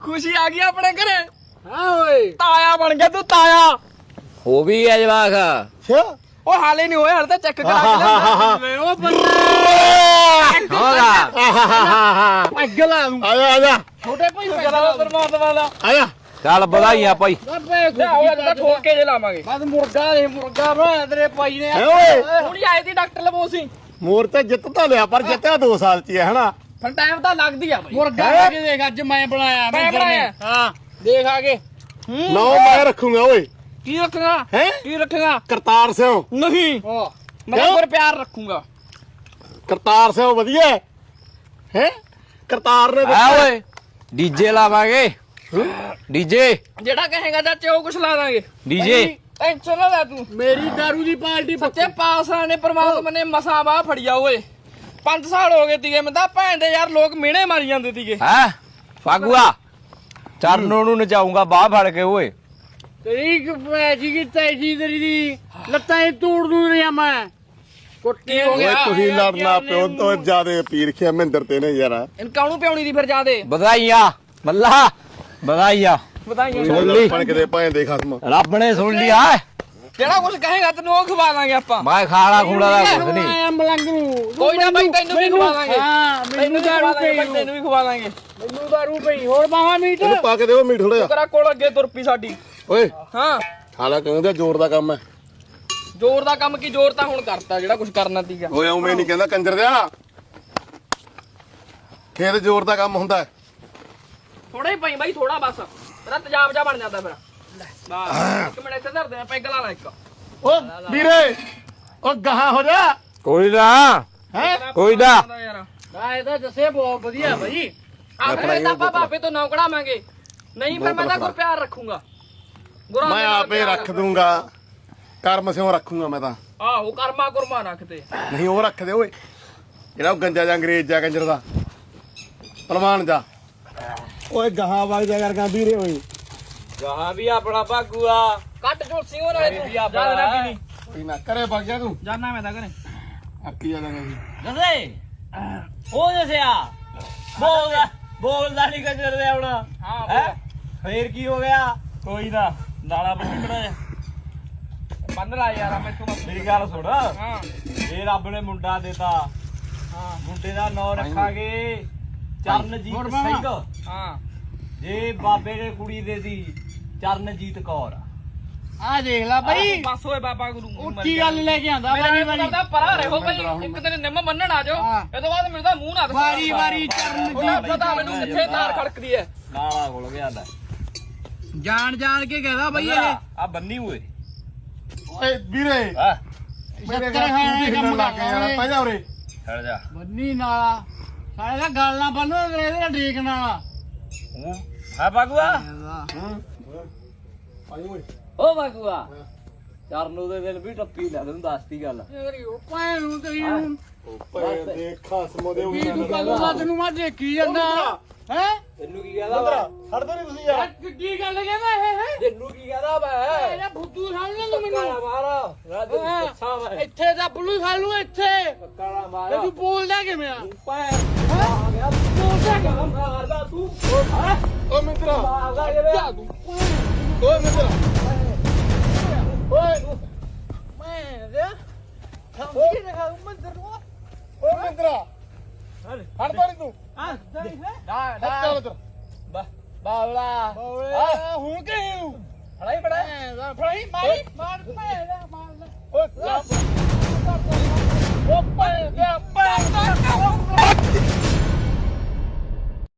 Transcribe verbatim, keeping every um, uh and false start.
खुशी आ गई अपने घरे। हाँ ओए ताया बन गया तू ताया। वो भी है जवाक। अच्छा ओ हाले नहीं होए, हाले तो चेक करा के ले। ओ बंदा होगा ਅੱਗ ਲਾ ਦੂੰ ਆਜਾ ਆਜਾ छोटे भाई करा परमात्मा दा। ਆਜਾ ਚੱਲ ਵਧਾਈਆਂ ਭਾਈ। ਬਾਬੇ ले आओ जरा ठोक के जे लावांगे। ਬਸ ਮੁਰਗਾ ਦੇ ਮੁਰਗਾ ਬਣਾ ਤੇਰੇ ਭਾਈ ਨੇ ਹੈ ਓਏ ਹੁਣ ਹੀ ਆਏ ਤੀ ਡਾਕਟਰ ਲਵੋ ਸੀ। ਮੋਰ ਤੇ ਜਿੱਤ ਤਾਂ ਲਿਆ ਪਰ ਜਿੱਤਿਆ ਦੋ ਸਾਲ ਚ ਹੀ ਹੈ ਹਨਾ। ਫਿਰ ਟਾਈਮ ਤਾਂ ਲੱਗਦੀ ਆ ਬਈ। ਮੁਰਗਾ ਲਾ ਕੇ ਦੇਖ ਅੱਜ ਮੈਂ ਬਣਾਇਆ ਮੈਂ ਮਿੰਦਰ ਨੇ। ਬਣਾਇਆ? ਹਾਂ ਦੇਖ ਆਗੇ ਨੌ ਮੈਂ ਰੱਖੂਗਾ ਓਏ की रखेगा ਹੈ की रखेगा। ਕਰਤਾਰ ਸਿੰਘ नहीं मैं क्यों? पर प्यार रखूंगा। ਕਰਤਾਰ ਸਿੰਘ ਵਧੀਆ ਹੈ ਹੈ ਕਰਤਾਰ ਨੇ ਆ ਓਏ ਡੀਜੇ ਲਾਵਾਂਗੇ। ਡੀਜੇ जेड़ा कहेगा चाचे वो कुछ ला देंगे। ਡੀਜੇ टेंशन ना ले तू। ਮੇਰੀ दारू ਦੀ ਪਾਰਟੀ सच्चे पास आने परमात्मा ने मसा बाह फड़िया ओए। पांच साल हो गए तीगे मैं भैन दे यार लोग मिहणे मारी जांदे तीगे। ਹੈ ਫਾਗੂਆ ਚਰਨੋਂ ਨੂੰ ਨਚਾਉਂਗਾ ਬਾਹ ਫੜ ਕੇ ਓਏ। ਤੇਰੀ ਪੈਜੀ ਕੀ ਤੈਜੀ ਤੇਰੀ ਦੀ ਲੱਤਾਂ ਹੀ ਤੋੜ ਦੂੰ ਰਿਆ ਮੈਂ ਕੁੱਟੀ ਹੋ ਓਏ ਗਿਆ ਤੁਸੀਂ ਲੜਨਾ ਪਿਓ ਤੋਂ ਜਿਆਦੇ ਪੀਰ ਖਿਆ ਮਹਿੰਦਰ ਤੇ ਨੇ ਯਾਰ इनका नु प्याउनी दी फिर जादे ਵਧਾਈਆਂ ਮੱਲਾ ਵਧਾਈਆਂ। बताइए सुन ली। ਪਣ ਕਿਤੇ ਭਾਂ ਦੇ ਖਸਮ ਰੱਬ ਨੇ ਸੁਣ ਲਿਆ। जेड़ा कुछ कहेगा तेन वो खवा देंगे आपा। ਮੈਂ ਖਾਣਾ ਖੂੜਾ ਦਾ ਕੁਝ ਨਹੀਂ। ਆਇਆ ਮਲੰਗ ਨੂੰ कोई ना भाई तेन भी खवा देंगे। ਹਾਂ तेन ਮੈਨੂੰ भी दारू खवा देंगे ਪਈ भाई, तेन भी खवा देंगे। ਮੈਨੂੰ दारू ਪਈ ਹੋਰ ਬਾਹਾਂ ਮੀਟ ਇਹਨੂੰ ਪਾ ਕੇ ਦਿਓ ਮੀਟ ਥੋੜਾ ਜਿਹਾ तेरा कोल अगे तुर पी साडी। ਓਏ हां ਹਾਲਾ ਕਹਿੰਦਾ ਜ਼ੋਰ ਦਾ ਕੰਮ ਹੈ जोर दा काम की जोर ता हुन करता जेड़ा कुछ करना तीगा। ਓਏ ਉਵੇਂ ਨਹੀਂ ਕਹਿੰਦਾ ਕੰਜਰ ਦਿਆ ਖੇਤ ਜ਼ੋਰ ਦਾ ਕੰਮ ਹੁੰਦਾ ਹੈ थोड़ा ही पई भाई थोड़ा बस तेरा तेजाब जा बन जाता फिर। ले बस एक मिनट इथे धर दे पैग ला ला एक। ਓ ਵੀਰੇ ਓ ਗਾਹਾਂ ਹੋ ਜਾ ਕੋਈ ਨਾ ਹੈ ਕੋਈ ਨਾ यार ਮੈਂ ਇਹਦਾ ਦੱਸੇ ਬਹੁਤ ਵਧੀਆ ਭਾਈ आखिर तापा बापे तो नौकड़ा मांगे नहीं फिर मैं तो प्यार रखूंगा। गुरा ਮੈਂ ਆਪੇ ਰੱਖ ਦੂੰਗਾ ਕਰਮ ਸਿਓ ਰੱਖੂਗਾ ਮੈਂ ਤਾਂ आहो कर्मा कुरमा रखते। ਨਹੀਂ ਉਹ ਰੱਖ ਦੇ ਓਏ ਜਿਹੜਾ ਉਹ ਗੰਜਾ ਜਾਂ ਅੰਗਰੇਜ਼ ਜਾ ਕੰਜਰ ਦਾ ਪਹਿਲਵਾਨ ਜਾ ਓਏ ਗਾਹਾਂ ਵਗ ਜਾ ਯਾਰ ਗਾਂਧੀਰੇ ਓਏ ਜਹਾਂ ਵੀ ਆਪਣਾ ਭਾਗੂਆ। कट जोल सिंह होना है तू जा ना पीनी ਕੋਈ ਨਾ ਕਰੇ ਵਗ ਜਾ ਤੂੰ जाना मैं ता करे ਆਪੀ ਆ ਜਾਗਾ ਜੀ ਦੱਸੇ ਹੋ ਦੱਸਿਆ ਬੋਲਦਾ ਬੋਲਦਾ ਨਹੀਂ ਕੰਜਰ ਦੇ ਆਉਣਾ। हां ਹੈ ਫੇਰ ਕੀ ਹੋ ਗਿਆ। ਕੋਈ ਨਾ ਨਾਲਾ ਬੰਨੀ ਬਣਾ ਜਾ। बंद ला यार मैं तू ਮੇਰੀ ਗੱਲ ਸੁਣ हां ਇਹ ਰੱਬ ਨੇ ਮੁੰਡਾ ਦਿੱਤਾ। हां ਮੁੰਡੇ ਦਾ ਨਾਂ ਰੱਖਾਂਗੇ ਚਰਨਜੀਤ ਸਿੰਘ। हां ਜੇ ਬਾਬੇ ਨੇ ਕੁੜੀ ਦੇ ਦੀ ਚਰਨਜੀਤ ਕੌਰ। ਆ ਦੇਖ ਲੈ ਭਾਈ बस ओए बाबा गुरु ਉੱਚੀ ਗੱਲ ਲੈ ਕੇ ਆਂਦਾ ਵਾਰੀ ਵਾਰੀ करदा परा रहो भाई एक दिन निम मनण आ जाओ हाँ। ए तो बाद मेरा मुंह ना दिखाओ। ਵਾਰੀ ਵਾਰੀ ਉਹਦਾ ਚਰਨਜੀਤ पता मैनू किथे तार खड़कदी है। ਨਾਲਾ ਖੁੱਲ ਗਿਆ ਲੈ ਜਾਣ ਜਾਣ ਕੇ ਕਹਦਾ ਭਾਈ ਇਹ ਆ ਬੰਨੀ ਹੋਏ। ਓਏ ਵੀਰੇ ਹਾਂ ਮੇਰੇ ਸ਼ੱਕਰ ਘਰ ਖਾਣੇ ਤੂੰ ਵੀ ਕੰਮ ਹਿੱਲਣ ਲੱਗ ਗਿਆ ਯਾਰ ਕਰਦਾ ਪੈ ਜਾ ਉਰੇ ਛੱਡ ਜਾ। ਬੰਨੀ ਨਾਲਾ ਸਾਰੇ ਦਾ ਗੱਲ ਨਾ ਬੰਨੋ ਇਹਦਾ ਢੀਕ ਨਾਲਾ ਉਹ ਹੈ ਭਾਗੂਆ। ਆਈ ਓਏ ਓ ਭਾਗੂਆ ਚਰਨੂ ਦੇ ਦਿਨ ਵੀ ਟੱਪੀ ਲੈ ਤੈਨੂੰ ਦੱਸਤੀ ਗੱਲ। ਤੇਰੀ ਉਹ ਭੈਣ ਨੂੰ ਤੇਰੀ ਨੂੰ ਓਏ ਦੇਖ ਖਸਮ ਦੇ ਕੀ ਤੂੰ ਕੱਲ ਰਾਤ ਨੂੰ ਮੈਂ ਦੇਖੀ ਜਾਂਦਾ ਹੈ ਤੈਨੂੰ ਕੀ ਕਹਦਾ ਛੱਡ ਦੋ ਨਹੀਂ ਤੁਸੀਂ ਯਾਰ ਕਿੱਡੀ ਗੱਲ ਕਹਿੰਦਾ ਇਹ ਹੈ ਤੈਨੂੰ ਕੀ ਕਹਦਾ ਮੈਂ ਇਹਦਾ ਫੁੱਦੂ ਸਮਝ ਤੂੰ ਮੈਨੂੰ ਮਾਰ ਰਾਤ ਨੂੰ ਦੱਸਾਂ ਮੈਂ ਇੱਥੇ ਦਾ ਬੁੱਲੂ ਖਾਲੂ ਇੱਥੇ ਕਾਲਾ ਮਾਰ ਤੇ ਤੂੰ ਬੋਲਦਾ ਕਿਵੇਂ ਆ ਪੈ ਆ ਗਿਆ ਬੋਲਦਾ ਕਿਵੇਂ ਮਾਰਦਾ ਤੂੰ ਓ ਮਿੱਤਰਾ ਮਾਰਦਾ ਜਿਵੇਂ ਓਏ ਮਿੱਤਰਾ ਓਏ ਮੈਂ ਦੇ ਸਮਝੀ ਨਾ ਖਾਉ ਮੰਦਰ ਨੂੰ ਓਏ ਮਿੱਤਰਾ ਹਟ ਤਾਂ ਨੀ ਤੂੰ ਹਾਂ ਦਈ ਹੈ डा ਹਟ ਚੱਲ ਇੱਧਰ बावला ਬੋਲੇ ਹੁਣ ਕਿ फड़ाई पड़ा ਫੜਾਈ ਮਾਰੀ ਮਾਰ ਪੈ ਮਾਰ ਓਏ